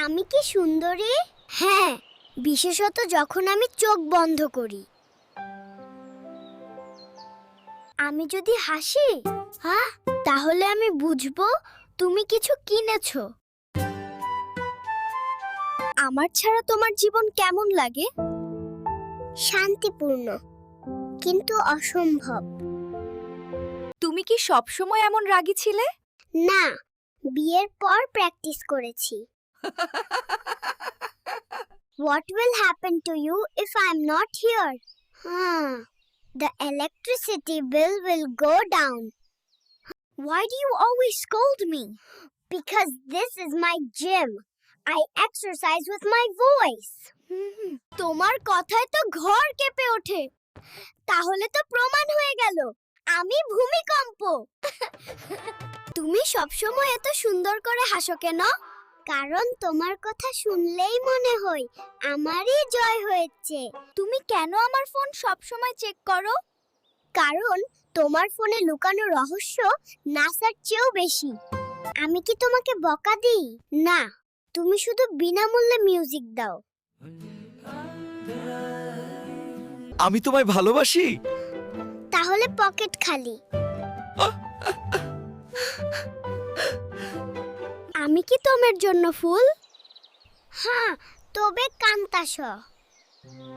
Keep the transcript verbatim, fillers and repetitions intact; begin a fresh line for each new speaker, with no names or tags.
আমি কি সুন্দরী? হ্যাঁ, বিশেষত যখন আমি চোখ বন্ধ করি। আমি যদি হাসি, হ্যাঁ, তাহলে আমি বুঝবো তুমি কিছু কিনেছো। আমার ছাড়া তোমার জীবন কেমন লাগে? শান্তিপূর্ণ, কিন্তু অসম্ভব।
তুমি কি সব সময় এমন রাগী ছিলে?
না, বিয়ের পর প্র্যাকটিস করেছি। What will happen to you if I'm not here? Hmm. The electricity bill will go down. Why do you always scold me? Because this is my gym. I exercise with my voice. তোমার কথায় তো ঘর কেঁপে ওঠে। তাহলে তো প্রমাণ হয়ে গেল আমি ভূমিকম্প। তুমি সবসময় এত সুন্দর করে হাসো কেন? কারণ তোমার কথা শুনলেই মনে হয় আমারই জয় হয়েছে। তুমি কেন আমার ফোন সবসময় চেক করো? কারণ তোমার ফোনে লুকানো রহস্য নাসার চেয়েও বেশি। আমি কি তোমাকে বকা দিই? না, তুমি শুধু বিনামূল্যে মিউজিক দাও।
আমি তোমায় ভালোবাসি।
তাহলে পকেট খালি। আমি কি তোমার জন্য ফুল? হ্যাঁ, তবে কান্তাস।